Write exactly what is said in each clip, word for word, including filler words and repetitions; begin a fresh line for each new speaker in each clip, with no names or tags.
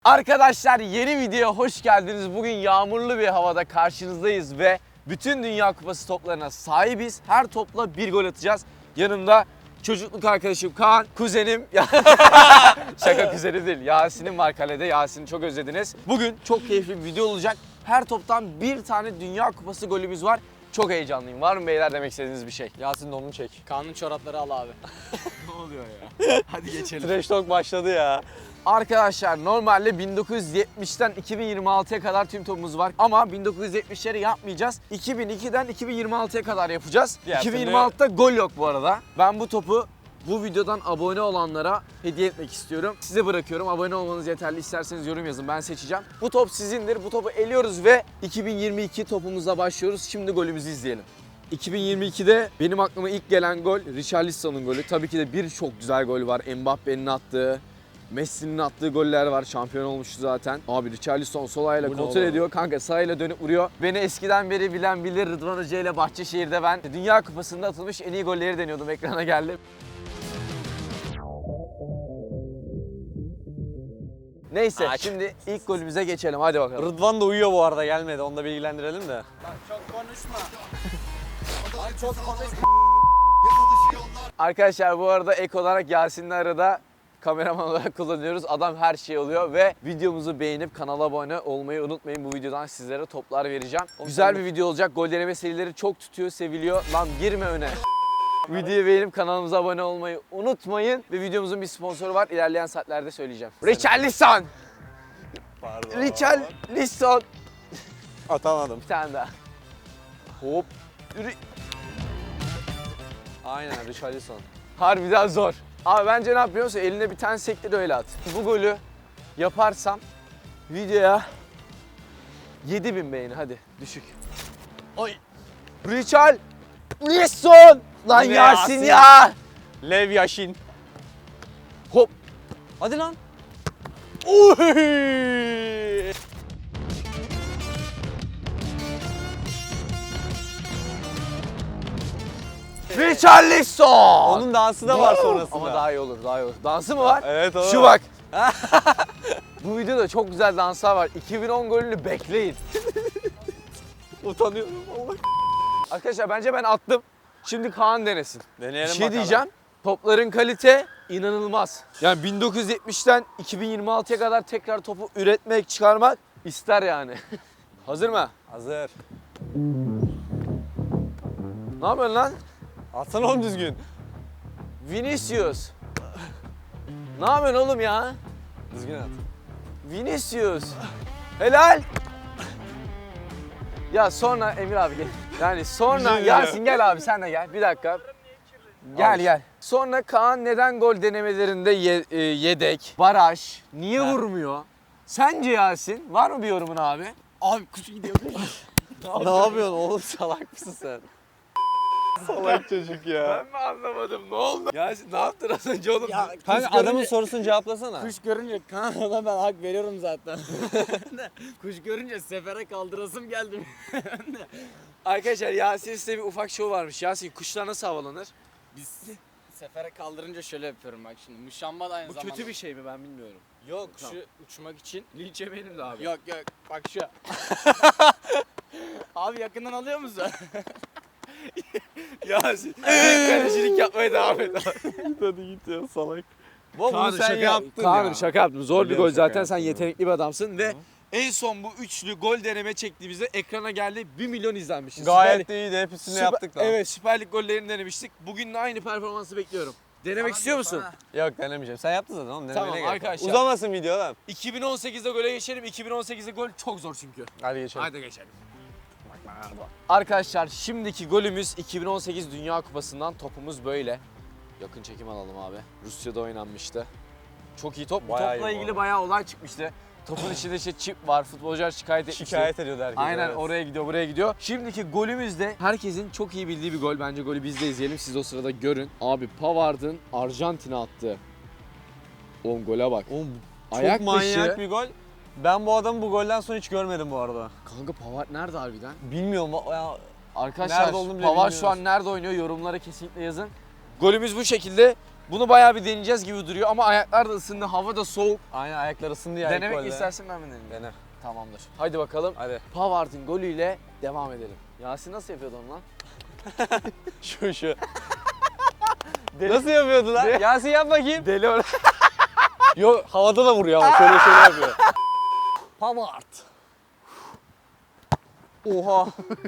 Arkadaşlar yeni videoya hoş geldiniz. Bugün yağmurlu bir havada karşınızdayız ve bütün Dünya Kupası toplarına sahibiz. Her topla bir gol atacağız. Yanımda çocukluk arkadaşım Kaan, kuzenim. Şaka, kuzenim değil. Yasin'im var kalede. Yasin'i çok özlediniz. Bugün çok keyifli bir video olacak. Her toptan bir tane Dünya Kupası golümüz var. Çok heyecanlıyım. Var mı beyler demek istediğiniz bir şey?
Yasin donunu çek. Kaan'ın çorapları al abi.
Ne oluyor ya? Hadi geçelim.
Trash talk başladı ya.
Arkadaşlar normalde bin dokuz yüz yetmişten iki bin yirmi altıya kadar tüm topumuz var. Ama bin dokuz yüz yetmişleri yapmayacağız. iki bin ikiden iki bin yirmi altıya kadar yapacağız.
Diğer
iki bin yirmi
türlü-
altıda gol yok bu arada. Ben bu topu bu videodan abone olanlara hediye etmek istiyorum. Size bırakıyorum. Abone olmanız yeterli. İsterseniz yorum yazın. Ben seçeceğim. Bu top sizindir. Bu topu eliyoruz ve iki bin yirmi iki topumuzla başlıyoruz. Şimdi golümüzü izleyelim. iki bin yirmi ikide benim aklıma ilk gelen gol Richarlison'un golü. Tabii ki de birçok güzel gol var. Mbappe'nin attığı, Messi'nin attığı goller var. Şampiyon olmuştu zaten. Abi Richarlison sol ayağıyla
Bu ne
kontrol
oğlum?
ediyor. Kanka sağ ayağıyla dönüp vuruyor. Beni eskiden beri bilen bilir. Rıdvan Hoca ile Bahçeşehir'de ben Dünya Kupası'nda atılmış en iyi golleri deniyordum. Ekrana geldi. Neyse
Aç.
şimdi ilk golümüze geçelim. Hadi bakalım.
Rıdvan da uyuyor bu arada, gelmedi. Onu da bilgilendirelim de.
Çok konuşma. Lan çok konuşma.
Arkadaşlar bu arada ek olarak Yasin'le arada kameraman olarak kullanıyoruz. Adam her şey oluyor ve videomuzu beğenip kanala abone olmayı unutmayın. Bu videodan sizlere toplar vereceğim. Güzel bir video olacak. Gol deneme serileri çok tutuyor, seviliyor. Lan girme öne. Videoyu beğenip kanalımıza abone olmayı unutmayın. Ve videomuzun bir sponsoru var. İlerleyen saatlerde söyleyeceğim. Richarlison!
Pardon.
Richarlison!
Atamadım.
Bir tane daha. Hop. Ri-
Aynen, Richarlison.
Harbiden zor. Abi bence ne yapıyorsun? Eline bir tane sektir öyle at. Bu golü yaparsam videoya yedi bin beğeni, hadi düşük.
Oy.
Richarlison! Lan
Bu ne
Yasin
Yasin?
ya!
Lev Yashin.
Hop.
Hadi lan.
Uy! Richarlison!
Onun dansı da var sonrasında.
Ama daha iyi olur, daha iyi olur. Dansı mı var?
Evet, o.
Şu bak. Bu videoda çok güzel danslar var. iki bin on golünü bekleyin.
Utanıyorum Allah.
Arkadaşlar bence ben attım. Şimdi Kaan denesin.
Deneyelim
Bir şey
bakalım.
diyeceğim. Topların kalite inanılmaz. Yani bin dokuz yüz yetmişten iki bin yirmi altıya kadar tekrar topu üretmek, çıkarmak ister yani. Hazır mı?
Hazır.
Ne yapıyorsun lan?
Atsana oğlum düzgün.
Vinicius. Ne yapıyorsun oğlum ya?
Düzgün at.
Vinicius. Helal. Ya sonra Emir abi gel. Yani sonra
Güzel
Yasin gel abi sen de gel. Bir dakika. Gel
Al.
gel. Sonra Kaan neden gol denemelerinde ye- e, yedek, baraj, niye
Ha.
vurmuyor? Sence Yasin? Var mı bir yorumun abi?
Abi kuş gidiyor.
Ne yapıyorsun oğlum, salak mısın sen? Salak çocuk ya.
mi anlamadım? Ne oldu? Yasin ne yaptın az önce oğlum?
Ya
Kanka
kuş
adamın
görünce,
sorusunu cevaplasana.
kuş görünce Kaan'a ben hak veriyorum zaten. Kuş görünce sefere kaldırasım geldi.
Arkadaşlar Yasin size bir ufak şov varmış. Yasin kuşlar nasıl havalanır?
Biz sefere kaldırınca şöyle yapıyorum bak şimdi. Muşamba da aynı
Bu
zamanda.
kötü bir şey mi ben bilmiyorum.
Yok
Tamam.
şu uçmak için.
Linç benim de abi.
Yok yok bak şu. Abi yakından alıyor musun?
Yasin kalecilik yapmaya devam et abi.
Hadi git ya, salak. Bu
Kaan'ım
bunu sen yaptın
Kaan'ım
ya.
şaka yaptım. Zor bir
Biliyorum,
gol
şaka
zaten. Sen
yaptım.
yetenekli bir adamsın ve en son bu üçlü gol deneme çektiğimizde ekrana geldi. bir milyon izlenmişiz.
Gayet de iyiydi, hepsini
Süper-
yaptık lan.
Evet, Süper Lig gollerini denemiştik. Bugün de aynı performansı bekliyorum. Denemek istiyor musun?
Yok, denemeyeceğim. Sen yaptın zaten oğlum.
Tamam,
denemene gerek yok.
arkadaşlar.
Uzamasın video lan.
iki bin on sekizde gole geçelim. iki bin on sekizde gol çok zor çünkü.
Hadi geçelim.
Hadi geçelim. Arkadaşlar şimdiki golümüz iki bin on sekiz Dünya Kupası'ndan, topumuz böyle. Yakın çekim alalım abi. Rusya'da oynanmıştı. Çok iyi top. Bu
Bayağı
topla
iyi bu
ilgili
arada.
bayağı olay çıkmıştı. Topun içinde işte çip var. Futbolcular şikayet etmişti.
Şikayet ediyordu herkes.
Aynen
evet.
oraya gidiyor, buraya gidiyor. Şimdiki golümüz de herkesin çok iyi bildiği bir gol. Bence golü biz de izleyelim. Siz o sırada görün. Abi Pavard'ın Arjantin'e attığı. Oğlum gole bak.
Oğlum çok
Ayak
manyak
dışı.
bir gol. Ben bu adamı bu golden sonra hiç görmedim bu arada.
Kanka Pavard nerede harbiden?
Bilmiyorum ya.
Arkadaşlar
Nerede olduğunu bile
Pavard şu
bilmiyoruz.
an nerede oynuyor? Yorumlara kesinlikle yazın. Golümüz bu şekilde. Bunu bayağı bir deneyeceğiz gibi duruyor ama ayaklar da ısındı, hava da soğuk.
Aynen ayaklar ısındı ya. ilk
Denemek
golde.
istersin ben mi deneyeyim?
Dene.
Tamamdır. Haydi bakalım.
Hadi.
Pavard'ın golüyle devam edelim. Yasin nasıl yapıyordu onu lan?
Şu şu. Nasıl yapıyordu lan?
De-
Yasin yap bakayım.
Deli or-
Yok havada da vuruyor ama şöyle şöyle yapıyor. Pavard. Oha.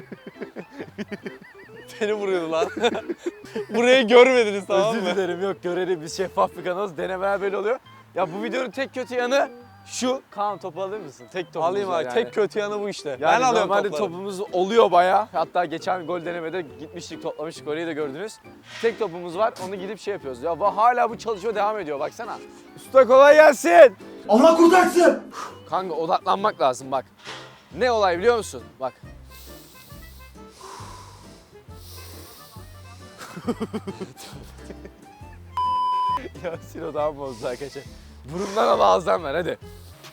Seni vuruyordu lan. Burayı görmediniz tamam
Özür
mı?
dilerim, yok görelim, biz şeffaf bir kanalız. Denemeler böyle oluyor. Ya bu videonun tek kötü yanı şu. Kaan topu alır mısın? Tek topumuz
Alayım
var
abi.
yani.
Tek kötü yanı bu işte.
Yani
ben alıyorum
normalde
topları.
topumuz oluyor bayağı. Hatta geçen gol denemede gitmiştik, toplamıştık, orayı da gördünüz. Tek topumuz var, onu gidip şey yapıyoruz. Ya va- hala bu çalışma devam ediyor, baksana. Usta kolay gelsin.
Allah kurtarsın.
Kanka odaklanmak lazım bak. Ne olay biliyor musun? Bak. Yasin odağım bozdu arkadaşlar. Burundan al, ağızdan ver hadi.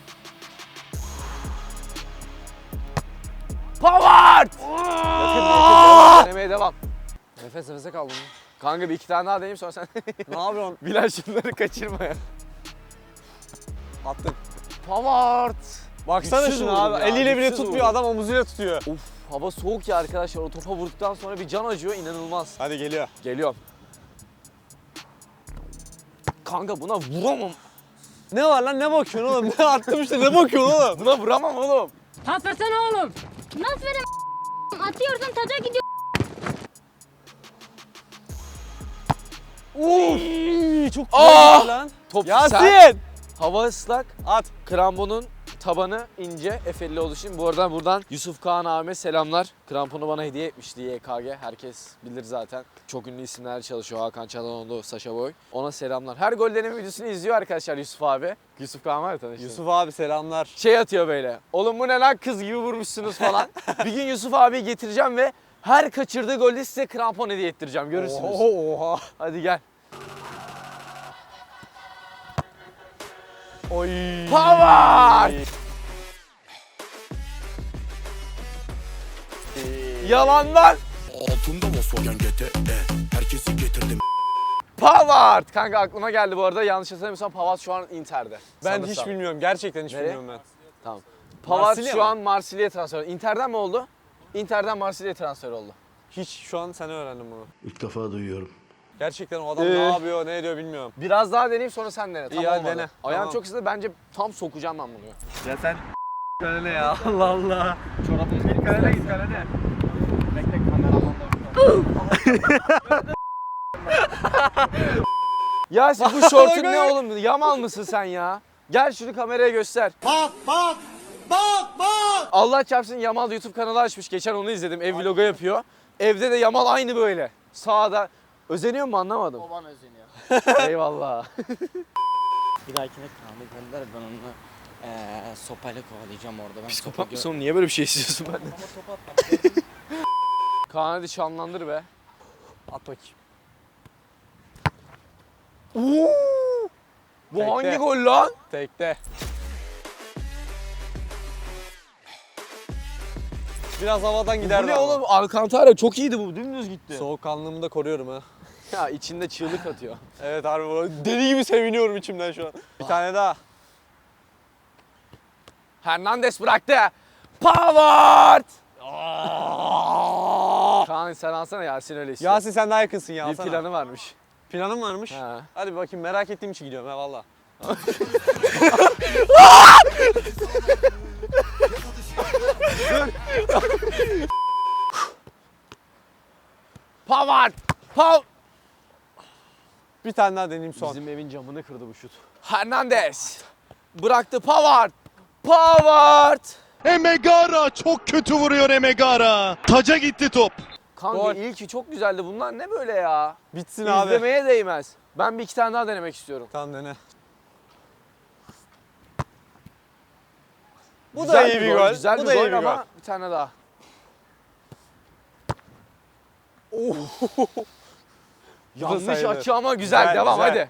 Pavard! Yakın, yakın, denemeye devam.
Nefes nefese kaldım.
Kanka bir iki tane daha deneyeyim sonra sen.
Ne yapıyorsun?
Bilal şunları kaçırma ya.
Attın.
Pavard!
Baksana
Güçsüz
şuna
vurdum
abi.
ya,
Eliyle bile
güçsüz
tutmuyor.
vurdum.
Adam omuzuyla tutuyor.
Uf, hava soğuk ya arkadaşlar. O topa vurduktan sonra bir can acıyor, inanılmaz.
Hadi geliyor.
Geliyorum. Kanka buna vuramam.
Ne var lan ne bakıyorsun oğlum? Ne attım işte ne bakıyorsun oğlum?
Buna vuramam oğlum.
Pas versene oğlum. Nasıl vereyim? Atıyorsun taca gidiyor.
Uf! Çok
Aa!
güzel lan.
Top
Yasin!
sert, hava ıslak,
At.
kramponun tabanı ince, efelli olduğu için. Bu arada buradan Yusuf Kağan abime selamlar. Kramponu bana hediye etmişti Y K G. Herkes bilir zaten. Çok ünlü isimler çalışıyor. Hakan Çalhanoğlu, Saşa Boy. Ona selamlar. Her gol deneme videosunu izliyor arkadaşlar Yusuf abi. Yusuf Kağan var ya, tanıştın.
Yusuf abi selamlar.
Şey atıyor böyle. Oğlum bu ne lan, kız gibi vurmuşsunuz falan. Bir gün Yusuf abiyi getireceğim ve her kaçırdığı golde size krampon hediye ettireceğim. Görürsünüz.
Oha oha.
Hadi gel.
Oy.
Pavard! Yalandan
Altında Volkswagen G T E. Herkesi getirdim.
Pavard! Kanka aklıma geldi bu arada. Yanlış hatırlamıyorsam Pavard şu an Inter'de.
Ben
Sanırsam.
hiç bilmiyorum. Gerçekten hiç
Nereye?
bilmiyorum ben.
Tamam. Pavard
Marsilya
şu
mı?
an Marsilya'ya transfer oldu. Inter'den mi oldu? Inter'den Marsilya'ya transfer oldu.
Hiç şu an sen öğrendim bunu.
İlk defa duyuyorum.
Gerçekten o adam
Ee?
ne yapıyor, ne ediyor bilmiyorum.
Biraz daha deneyeyim sonra sen dene. Tam
İyi, hadi
olmadı.
dene.
Ayağım
Tamam.
çok hızlı, bence tam sokacağım ben bunu.
Ya sen kalene ya. Allah Allah.
Çorabını bir
Kalene git kalene.
Bekle kameraman da
Ya siz bu şortun ne oğlum? Yamal mısın sen ya? Gel şunu kameraya göster.
Bak bak. Bak bak.
Allah çarpsın, Yamal YouTube kanalı açmış. Geçen onu izledim. Ev vlogu yapıyor. Evde de Yamal aynı böyle. Sağda. Özeniyor mu anlamadım.
O bana özeniyor.
Eyvallah.
Bir dahakine Kaan'ı gönder, ben onu eee sopayla kovalayacağım orada. Ben
Psikopat
topu
mısın oğlum? Niye böyle bir şey istiyorsun benden?
Ama topu atmak.
Kaan hadi şanlandır be.
At bakayım.
Bu
Tekte.
hangi gol lan?
Tekte. Biraz havadan
Bu
giderdi
ne
ama.
oğlum? Alcantara çok iyiydi bu. Dümdüz gitti.
Soğukkanlılığımı da koruyorum ha.
Ya içinde çığlık atıyor.
Evet harbi bu. Deli gibi seviniyorum içimden şu an. Bir tane daha.
Hernandez bıraktı. Pavard! Kaan sen alsana, Yasin öyle istiyor.
Yasin sen daha yakınsın ya.
bir
alsana.
planı varmış.
Planın varmış.
Ha.
Hadi bir bakayım, merak ettiğim için gidiyorum ha valla.
Pavard! Pav!
Bir tane daha deneyeyim son.
Bizim evin camını kırdı bu şut. Hernandez! Bıraktı Pavard! Pavard!
Emegara çok kötü vuruyor Emegara. Taca gitti top.
Kanka
Gol.
ilki çok güzeldi. Bunlar ne böyle ya?
Bitsin abi.
İzlemeye değmez. Ben bir iki tane daha denemek istiyorum.
Tamam dene. Bu
Güzel
da iyi bir gol.
Güzel
Bu
bir
da iyi
gol
bir
ama
gol.
bir tane daha. Yanlış
sayılır.
açı ama güzel.
Güzel,
Devam
güzel.
hadi.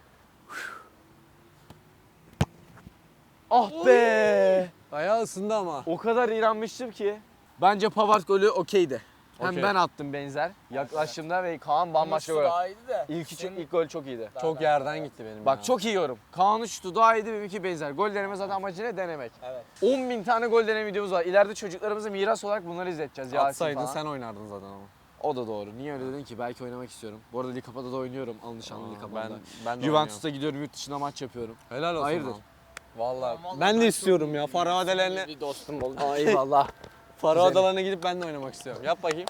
Ah be!
Bayağı ısındı ama.
O kadar iğrenmiştim ki. Bence Pavard golü okeydi. Hem
Okey.
ben attım benzer. Yaklaştığımda ve Kaan bambaşka gol.
Daha iyiydi de.
İlk, çok,
Senin-
ilk gol çok iyiydi.
Çok yerden gitti benim
Bak
ya.
çok iyi yorum. Kaan'ın şutu daha iyiydi, benimki benzer. Gol deneme zaten amacı ne? Denemek.
Evet.
on bin tane gol deneme videomuz var. İleride çocuklarımıza miras olarak bunları izleteceğiz. Yasin
Atsaydın
falan.
sen oynardın zaten ama.
O da doğru. Niye öyle dedin ki? Belki oynamak istiyorum. Bu arada Likapa'da da oynuyorum. Alnışanlı
Aa,
Likapa'da.
ben ben de
Juventus'ta gidiyorum, yurt dışında maç yapıyorum.
oynuyorum. Helal olsun.
Hayırdır?
lan. Vallahi.
Vallahi
Ben de
çok
istiyorum ya.
iyi.
Faravadelerine
Bir dostum oldu.
Aa, eyvallah.
Faravadelerine gidip ben de oynamak istiyorum. Yap bakayım.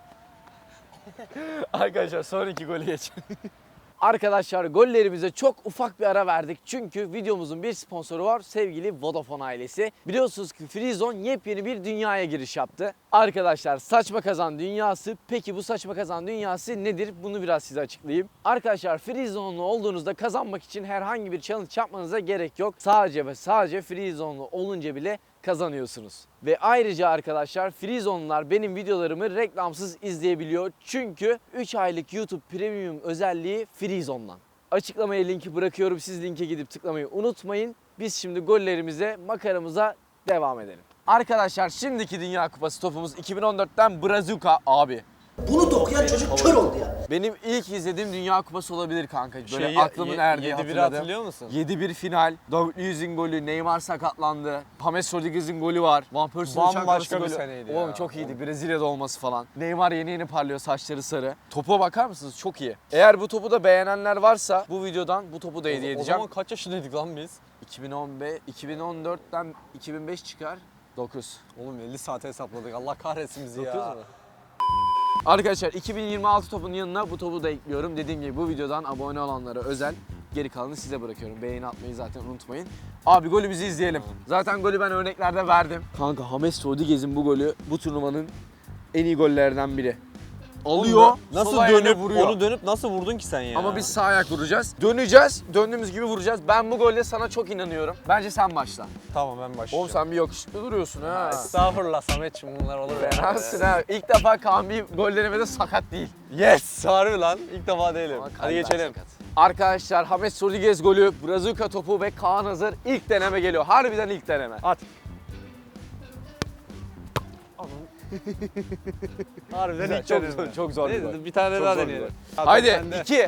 Arkadaşlar son iki golü geçelim. Arkadaşlar gollerimize çok ufak bir ara verdik. Çünkü videomuzun bir sponsoru var. Sevgili Vodafone ailesi. Biliyorsunuz ki Freezone yepyeni bir dünyaya giriş yaptı. Arkadaşlar saçma kazan dünyası. Peki bu saçma kazan dünyası nedir? Bunu biraz size açıklayayım. Arkadaşlar Freezone'lu olduğunuzda kazanmak için herhangi bir challenge yapmanıza gerek yok. Sadece ve sadece Freezone'lu olunca bile kazanıyorsunuz. Ve ayrıca arkadaşlar Freezone'lar benim videolarımı reklamsız izleyebiliyor. Çünkü üç aylık YouTube Premium özelliği Freezone'dan. Açıklamaya linki bırakıyorum. Siz linke gidip tıklamayı unutmayın. Biz şimdi gollerimize, makaramıza devam edelim. Arkadaşlar şimdiki Dünya Kupası topumuz iki bin on dörtten Brazuka abi.
Bunu da okuyan çocuk kör oldu ya.
Benim ilk izlediğim Dünya Kupası olabilir kanka. Böyle
Şeyi,
aklımın erdiği
yedi biri
hatırladım.
hatırlıyor musun?
yedi bir final, David Luiz'in golü, Neymar sakatlandı, James Rodriguez'in golü var, Van Persie'nin uçak
Bambaşka
arası
bir
golü.
seneydi
Oğlum
ya.
çok iyiydi, Brezilya'da olması falan. Neymar yeni yeni parlıyor, saçları sarı. Topa bakar mısınız? Çok iyi. Eğer bu topu da beğenenler varsa bu videodan bu topu da hediye
O
edeceğim.
zaman kaç yaşındaydık lan biz?
iki bin on beş, iki bin on dörtten iki bin beş çıkar. dokuz.
Oğlum elli saate hesapladık. Allah kahretsin bizi ya.
dokuz mu? Arkadaşlar iki bin yirmi altı topun yanına bu topu da ekliyorum. Dediğim gibi bu videodan abone olanlara özel. Geri kalanını size bırakıyorum. Beğeni atmayı zaten unutmayın. Abi golümüzü izleyelim. Zaten golü ben örneklerde verdim. Kanka James Rodriguez'in bu golü bu turnuvanın en iyi gollerden biri. Alıyor,
Nasıl
sol ayağıyla
dönüp
vuruyor.
onu dönüp nasıl vurdun ki sen ya?
Ama biz sağ ayak vuracağız. Döneceğiz, döndüğümüz gibi vuracağız. Ben bu golde sana çok inanıyorum. Bence sen başla.
Tamam ben başlayacağım.
Oğlum sen bir yakışıklı duruyorsun ha.
Estağfurullah Samet'ciğim bunlar olur ya.
Fenasın ha. İlk defa Kaan bir gol denemede sakat değil.
Yes! Harbi lan. İlk defa değilim.
Ama
Hadi
kalben
geçelim.
sakat. Arkadaşlar James Rodriguez golü, Brazuka topu ve Kaan hazır. İlk deneme geliyor. Harbiden ilk deneme.
At. Harbiden
Güzel,
ilk
çok
deneme.
zor- çok zor bir
Neyse,
gol.
Bir tane
Çok
daha
zor bir
deneyelim.
gol. Haydi iki.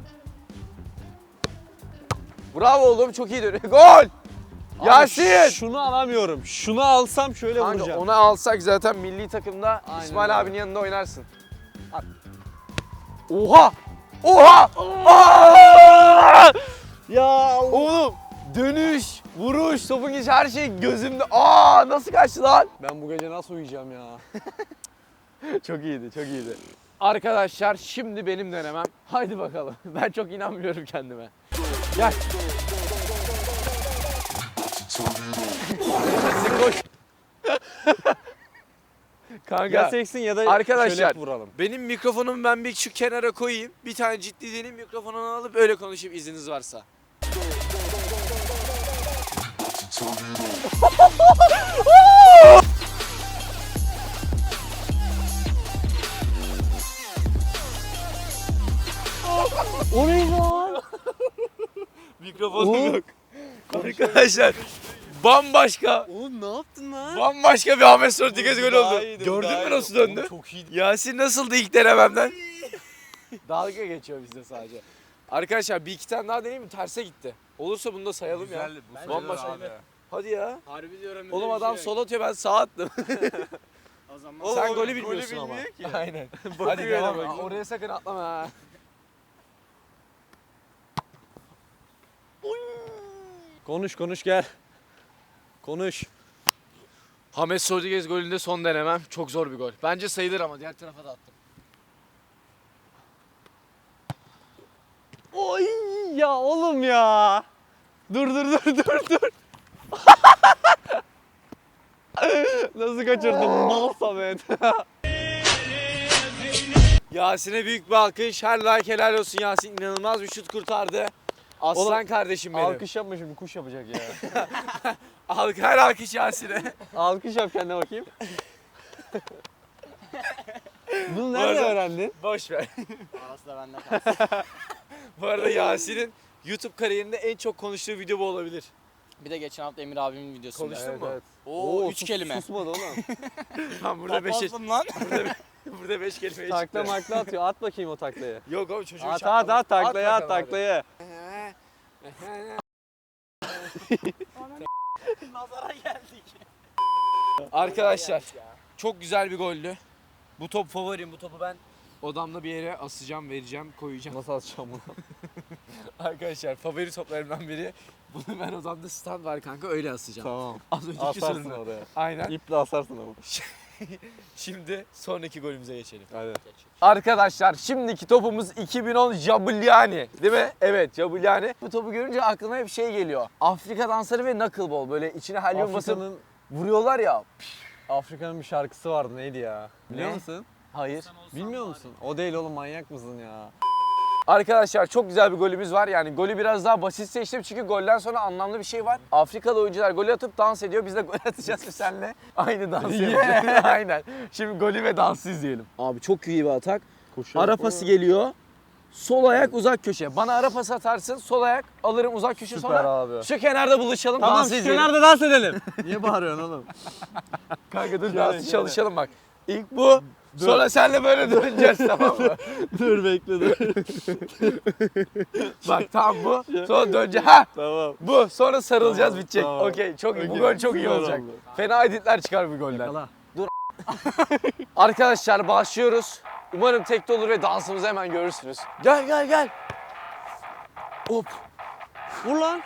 Bravo oğlum çok iyi dönüyor. Gol! Yasin!
Şunu alamıyorum. Şunu alsam şöyle
Kanka
vuracağım.
onu alsak zaten milli takımda
Aynen
İsmail
öyle.
abinin yanında oynarsın. Oha! Oha! Aa!
Ya
Oğlum dönüş, vuruş, topun geçi her şey gözümde. Aa nasıl kaçtı lan?
ben bu gece nasıl uyuyacağım ya?
Çok iyiydi, çok iyiydi. Arkadaşlar şimdi benim denemem. Haydi bakalım. Ben çok inanmıyorum kendime. Gel. Yasin koş. Kanka.
Ya seksin ya da
Arkadaşlar
şöyle vuralım.
benim mikrofonumu ben bir şu kenara koyayım. Bir tane ciddi deneyim mikrofonunu alıp öyle konuşayım izniniz varsa.
O ne lan?
Mikrofonum yok. Arkadaşlar bambaşka
Oğlum ne yaptın lan?
bambaşka bir James Rodriguez golü
Daha
oldu.
iyiydi,
Gördün
daha
mü
iyiydi.
nasıl döndü?
Oğlum çok iyiydi.
Yasin nasıldı ilk denememden? Dalga geçiyor bizde sadece. Arkadaşlar bir iki tane daha deneyeyim mi? Terse gitti. Olursa bunu da sayalım ya. Bambaşka. Hadi ya.
Harbi diyorum.
Oğlum
öyle bir
adam
şey
sol atıyor ben sağ attım.
yok. O zaman
Oğlum,
Sen
o
golü
golü
bilmiyorsun ama.
bilmiyor ki.
Aynen. Hadi
Bakıyor
devam.
öyle
Aa,
bak.
oraya sakın atlama ha.
Konuş konuş gel. Konuş.
James Rodriguez golünde son denemem. Çok zor bir gol. Bence sayılır ama diğer tarafa da attım.
Oy ya oğlum ya. Dur dur dur dur dur. Nasıl kaçırdım mal Samet.
Yasin'e büyük bir alkış. Her like helal olsun Yasin. İnanılmaz bir şut kurtardı. Aslan
Oğlum,
kardeşim benim.
Alkış yapma şimdi kuş yapacak ya.
Alk her alkış Yasin'e.
Alkış yap kendine bakayım. Bunu nerede
arada-
öğrendin?
Boş ver.
Arası da bende kalsın.
Bu arada Yasin'in YouTube kariyerinde en çok konuştuğu video bu olabilir.
Bir de geçen hafta Emir abimin videosunda.
Konuştun mu?
Oo, üç
sus-
kelime.
Susmadı oğlum.
Tam burada beşe,
Papazım lan.
Burada beş kelimeye
Takla
çıktı.
makla atıyor. At bakayım o taklayı.
Yok abi çocuğu
At at at taklayı at
bakalım hadi.
taklayı.
Nazara geldik.
Arkadaşlar çok güzel bir goldü. Bu top favorim. Bu topu ben odamda bir yere asacağım, vereceğim, koyacağım.
Nasıl atacağım bunu?
Arkadaşlar favori toplarımdan biri. Bunu ben odamda stand var kanka öyle asacağım.
Tamam.
Az önceki
Asarsın
sorunu.
oraya.
Aynen.
İple asarsın ama.
Şimdi sonraki golümüze geçelim.
Hadi.
Arkadaşlar şimdiki topumuz iki bin on Jabuliani değil mi? Evet Jabuliani. Bu topu görünce aklıma hep şey geliyor. Afrika dansları ve knuckleball böyle içine helyum basıp
Afrika'nın
vuruyorlar ya.
Afrika'nın bir şarkısı vardı neydi ya? Biliyor
Ne?
musun?
Hayır.
Bilmiyor musun? O değil oğlum manyak mısın ya?
Arkadaşlar çok güzel bir golümüz var. Yani golü biraz daha basit seçtim çünkü golden sonra anlamlı bir şey var. Afrikalı oyuncular golü atıp dans ediyor. Biz de gol atacağız ve seninle aynı dansı yapacağız. Aynen. Şimdi golü ve dansı izleyelim. Abi çok iyi bir atak. Ara pası geliyor. Sol ayak uzak köşe. Bana ara pası atarsın. Sol ayak alırım uzak köşe
Süper
sonra.
abi.
Şu kenarda buluşalım.
Tamam
dansı
şu
izleyelim.
kenarda dans edelim. Niye bağırıyorsun oğlum?
Kanka dur
Şöyle,
dansı
şöyle.
çalışalım bak. İlk bu. Sonra senle böyle döneceğiz tamam mı?
Dur bekle dur.
Bak tamam bu. Sonra döneceğiz. Ha!
Tamam.
Bu. Sonra sarılacağız
Tamam,
bitecek.
tamam.
Okey çok iyi. Bu
Okey,
gol çok iyi
süper
olacak.
oldu.
Fena editler çıkar bu golden.
Yakala.
Dur. Arkadaşlar başlıyoruz. Umarım tekte olur ve dansımızı hemen görürsünüz. Gel gel gel. Hop.
Vur lan.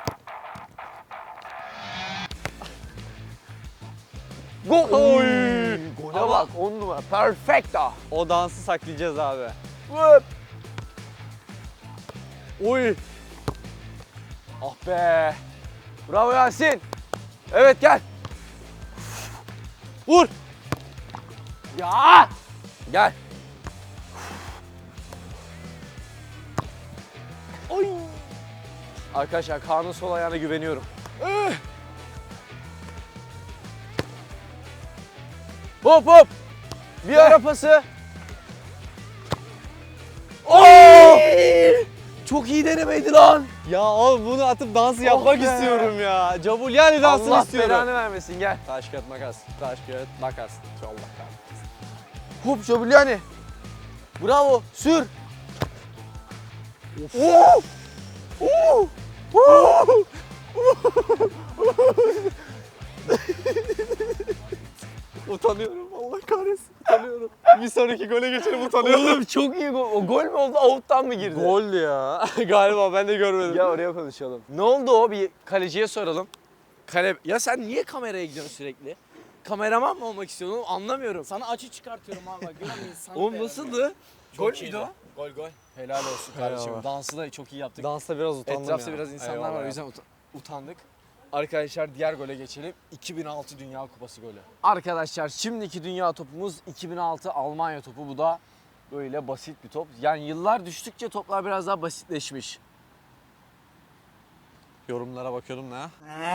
Gol.
Oy.
Gole
Ama-
bak on numara. Perfecto.
O dansı saklayacağız abi.
Hop.
Oy.
Ah be. Bravo Yasin. Evet gel.
Vur.
Ya. Gel. Oy. Arkadaşlar Kaan'ın sol ayağına güveniyorum. Eh. Hop hop. Bir ara pası. Oh! Çok iyi denemeydi lan.
Ya oğlum bunu atıp dansı yapmak
be.
istiyorum ya. Cabulyani dansını
Allah
istiyorum.
belanı vermesin gel.
Taş kağıt makas. Taş kağıt makas. Allah kahretsin.
Hop Jabuliani. Bravo. Sür. Oh! Oh! Oh!
Utanıyorum Allah kahretsin. Utanıyorum. Bir sonraki gole geçelim utanıyorum.
Oğlum çok iyi gol. O gol mü oldu? Out'tan mı girdi?
Gol ya. Galiba ben de görmedim.
Ya oraya konuşalım. Ne oldu o? Bir kaleciye soralım. Kale... Ya sen niye kameraya gidiyorsun sürekli? Kameraman mı olmak istiyorsun? Oğlum anlamıyorum.
Sana açı çıkartıyorum abi bak görün insanı.
Oğlum nasıldı? Gol
Çok
müydü
iyiydi.
o? Gol gol. Helal olsun kardeşim.
Eyvallah.
Dansı da çok iyi yaptık.
Dansta biraz utandım
Etrafta
ya.
biraz insanlar
Eyvallah
var o
ya.
yüzden uta- utandık. Arkadaşlar diğer gole geçelim. iki bin altı Dünya Kupası golü. Arkadaşlar şimdiki dünya topumuz iki bin altı Almanya topu. Bu da böyle basit bir top. Yani yıllar düştükçe toplar biraz daha basitleşmiş.
Yorumlara bakıyordum ne?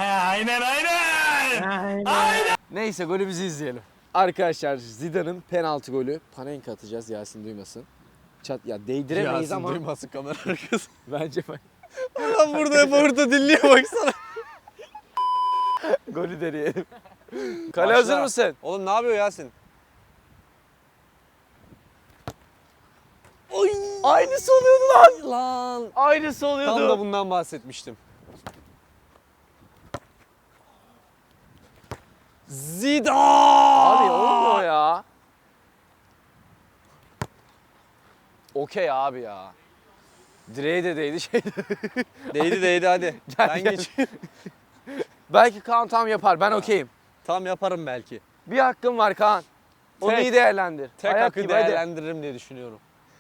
Neyse golümüzü izleyelim. Arkadaşlar Zidane'ın penaltı golü. Panenka atacağız Yasin duymasın. Çat ya değdiremeyiz
Yasin
ama
duymasın kamera arkası.
bence bak.
Adam burada hep orada dinliyor baksana.
Golü deneyelim. Kale
Başla.
hazır mısın?
Oğlum ne yapıyor Yasin?
Oy! Aynısı oluyordu lan.
Lan.
Aynısı oluyordu.
Tam da bundan bahsetmiştim. Zidane!
Abi olmuyor ya. Okey abi ya. Direğe de değdi şey.
Değdi değdi hadi.
Gel,
ben
gel.
geç.
Belki Kaan tam yapar. Ben okeyim.
Tam yaparım belki.
Bir hakkın var Kaan. Onu
Tek.
iyi değerlendir.
Tek
Ayak
hakkı
gibi, hadi.
değerlendiririm diye düşünüyorum.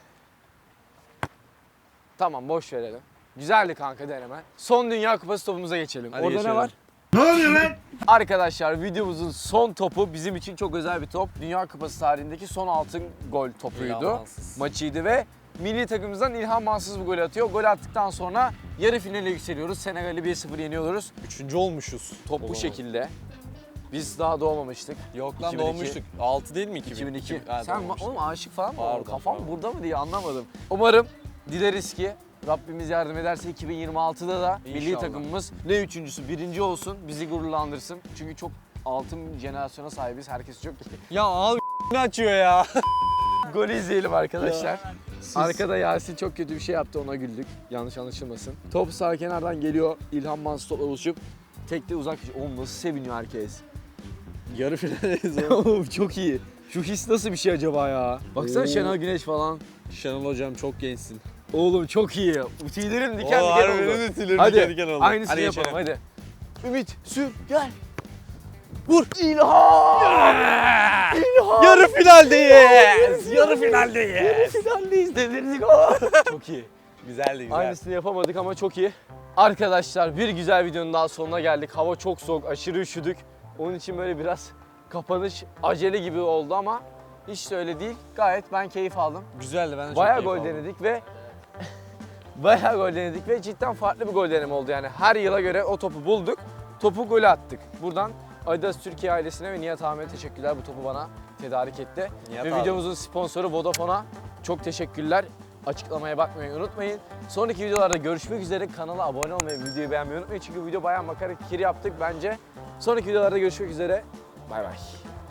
Tamam boş verelim. Güzeldi kanka deneme. Son Dünya Kupası topumuza geçelim.
Hadi
Orada
geçelim.
ne var?
Ne oluyor lan?
Arkadaşlar videomuzun son topu bizim için çok özel bir top. Dünya Kupası tarihindeki son altın gol topuydu.
İlhan Mansız.
Maçıydı ve milli takımımızdan İlhan Mansız bu golü atıyor. Gol attıktan sonra yarı finale yükseliyoruz. Senegal'i bir sıfır yeniyoruz.
Üçüncü olmuşuz.
Top
O
bu
zaman.
şekilde. Biz daha doğmamıştık.
Yok lan
iki bin iki.
doğmuştuk. altı değil mi iki bin?
iki bin iki.
Ha,
Sen
doğmuştuk.
oğlum aşık falan mı?
Pardon,
oldun? Kafam
pardon.
burada mı diye anlamadım. Umarım dileriz ki Rabbimiz yardım ederse iki bin yirmi altıda da milli
İnşallah.
takımımız ne üçüncüsü birinci olsun bizi gururlandırsın. Çünkü çok altın jenerasyona sahibiz. Herkes çok iyi.
Ya abi Ne açıyor ya?
Golü izleyelim arkadaşlar. Arkada Yasin çok kötü bir şey yaptı, ona güldük. Yanlış anlaşılmasın. Top sağ kenardan geliyor. İlhan Mansur topla buluşup tekte uzak. Oğlum nasıl seviniyor herkes.
Yarı finaldeyiz
Oğlum çok iyi. Şu his nasıl bir şey acaba ya? Baksana
Oo.
Şenol Güneş falan.
Şenol hocam çok gençsin.
Oğlum çok iyi. Tüylerim diken
Oo,
diken
harbi
oldu.
benim de tüylerim
Hadi
diken diken oldu.
aynısını
Hadi
yapalım
geçelim.
hadi. Ümit sür gel. Vur. İlhan! İlhan!
Yarı finaldeyiz. Yarı finaldeyiz.
Yarı finaldeyiz dedirdik ama. Çok iyi.
Güzeldi güzel.
Aynısını yapamadık ama çok iyi. Arkadaşlar bir güzel videonun daha sonuna geldik. Hava çok soğuk, aşırı üşüdük. Onun için böyle biraz kapanış acele gibi oldu ama hiç de öyle değil. Gayet ben keyif aldım.
Güzeldi, ben de çok
Bayağı
keyif
gol
aldım.
denedik ve bayağı gol denedik ve cidden farklı bir gol deneme oldu yani. Her yıla göre o topu bulduk, topu gole attık. Buradan Adidas Türkiye ailesine ve Nihat Ahmet'e teşekkürler, bu topu bana tedarik etti.
Nihat
ve
abi.
videomuzun sponsoru Vodafone'a çok teşekkürler. Açıklamaya bakmayı unutmayın. Sonraki videolarda görüşmek üzere. Kanala abone olmayı, videoyu beğenmeyi unutmayın. Çünkü video bayağı makara kir yaptık bence. Sonraki videolarda görüşmek üzere. Bay bay.